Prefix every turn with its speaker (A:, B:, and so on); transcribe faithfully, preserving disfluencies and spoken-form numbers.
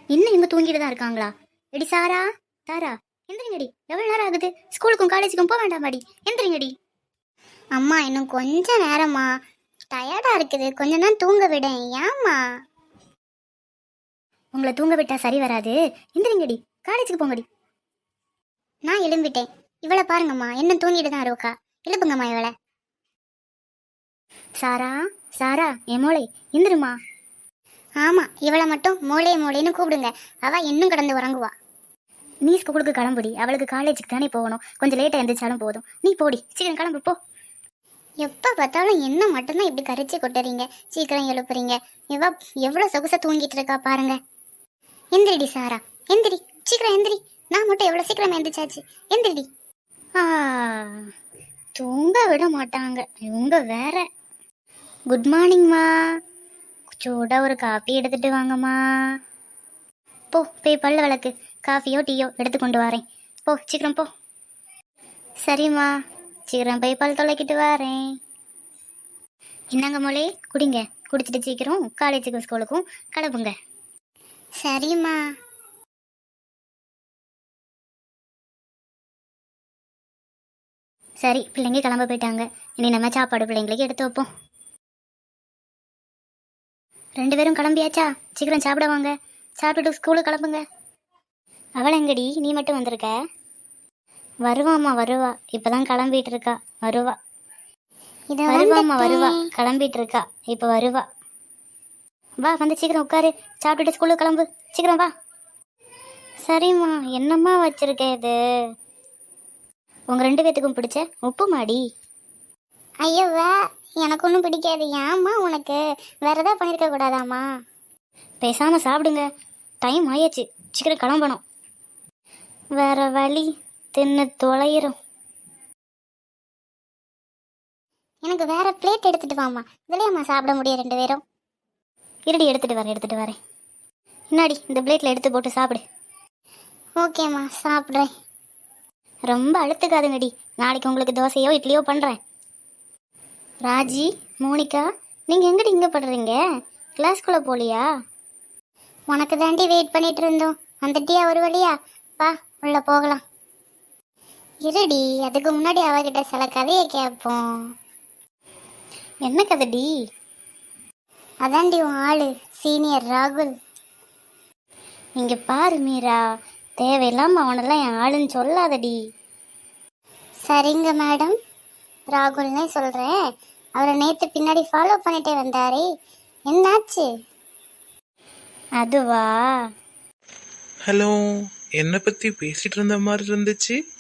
A: இன்னும் இவங்க தூங்கிட்டு தான் இருக்காங்களா? எடி சாரா, தாரா, எந்திரிங்கடி. எவ்வளவு நேரம் ஆகுது? ஸ்கூலுக்கும் காலேஜுக்கும் போக வேண்டாமாடி? எந்திரிங்கடி. அம்மா இன்னும் கொஞ்ச நேரமா, டயர்டா இருக்குது, கொஞ்ச நேரம் தூங்க விடேன். ஏம்மா? உங்களை தூங்க விட்டா சரி வராது. எந்திரிங்கடி, காலேஜுக்கு போங்கடி. நான் எழும்பிட்டேன். இவளை பாருங்கம்மா, என்ன தூங்கிட்டு தான் இருக்கா. எழுப்புங்கம்மா இவளை. சாரா, சாரா, என் மோளை எந்திருமா. ஆமா, இவளை மட்டும் மோளே மோளேன்னு கூப்பிடுங்க. அவ இன்னும் கடந்து உறங்குவா. நீ ஸ்கூலுக்கு கிளம்புடி, அவளுக்கு காலேஜுக்கு தானே போகணும். கொஞ்சம் லேட்டா எந்திரிச்சாலும் போதும். நீ போடி, சீக்கிரம் கிளம்பு போ. எப்ப பார்த்தாலும் என்ன மட்டும்தான் இப்படி கரிச்சு கொட்டுறீங்க, சீக்கிரம் எழுப்புறீங்க. இவ எவ்வளவு சொகுசா தூங்கிட்டு இருக்கா பாருங்க. எந்திரிடி சாரா, எந்திரி, சீக்கிரம் எந்திரி. நான் மட்டும் எவ்வளவு சீக்கிரம் எந்திரிச்சாச்சு. எந்திரிடி. ஆ, தூங்க விட மாட்டாங்க இவங்க வேற. குட் மார்னிங்மா. சூடா ஒரு காஃபி எடுத்துட்டு வாங்கம்மா. போ, போய் பல்ல விளக்கு. காஃபியோ டீயோ எடுத்து கொண்டு வரேன். போ, சீக்கிரம் போ. சரிம்மா, சீக்கிரம் போய் பல் தொலைக்கிட்டு வரேன். என்னங்க மொழி, குடிங்க. குடிச்சிட்டு சீக்கிரம் காலேஜுக்கும் ஸ்கூலுக்கும் கிளம்புங்க. சரிம்மா. சரி, பிள்ளைங்க கிளம்ப போயிட்டாங்க. இனி நம்ம சாப்பாடு பிள்ளைங்களுக்கு எடுத்து வைப்போம். ரெண்டு பேரும் கிளம்பியாச்சா? சீக்கிரம் சாப்பிட வாங்க. சாப்பிட்டுட்டு ஸ்கூலுக்கு கிளம்புங்க. அவளை எங்கடி, நீ மட்டும் வந்திருக்க? வருவாம்மா, வருவா. இப்பதான் கிளம்பிட்டு இருக்கா. வருவா. வருவாம்மா, வருவா. கிளம்பிட்டு இருக்கா, இப்ப வருவா. வா, வந்து சீக்கிரம் உட்காரு. சாப்பிட்டுட்டு ஸ்கூலுக்கு கிளம்பு. சீக்கிரம் வா. சரிம்மா. என்னம்மா வச்சிருக்க இது? உங்க ரெண்டு பேத்துக்கும் பிடிச்ச உப்பு மாடி. ஐயோவா, எனக்கு ஒன்றும் பிடிக்காது. ஏம்மா உனக்கு வேற ஏதாவது பண்ணியிருக்க கூடாதாம்மா? பேசாம சாப்பிடுங்க. டைம் ஆயாச்சு, சீக்கிரம் கிளம்பணும். வேற வழி, தின்னு தொலைகிறோம். எனக்கு வேற பிளேட் எடுத்துட்டு வாமா. இதுலயம்மா சாப்பிட முடியும் ரெண்டு பேரும். இருடி, எடுத்துட்டு வரேன், எடுத்துட்டு வரேன். முன்னாடி இந்த பிளேட்ல எடுத்து போட்டு சாப்பிடு. ஓகேம்மா, சாப்பிட்றேன். ரொம்ப அழுத்துக்காதுங்கடி. நாளைக்கு உங்களுக்கு தோசையோ இட்லியோ பண்றேன். ராஜி, மோனிகா, நீங்க எங்கடி இங்க படுறீங்க? கிளாஸ்குள்ள போலியா? உனக்கு தாண்டி வெயிட் பண்ணிட்டு இருந்தோம். வந்துட்டியா ஒரு வழியா? வா, உள்ள போகலாம். இருடி, அதுக்கு முன்னாடி அவகிட்ட சில கதையை கேட்போம். என்ன கதைடி? அதாண்டி உன் ஆளு, சீனியர் ராகுல். இங்க பாரு மீரா, தேவையில்லாம அவனெல்லாம் என் ஆளுன்னு சொல்லாதடி. சரிங்க மேடம், ராகுல்னே சொல்றேன். அவரை நேத்து பின்னாடி ஃபாலோ பண்ணிட்டே வந்தாரே, என்னாச்சு? அதுவா?
B: ஹலோ, என்னை பத்தி பேசிட்டு இருந்த மாதிரி இருந்துச்சு.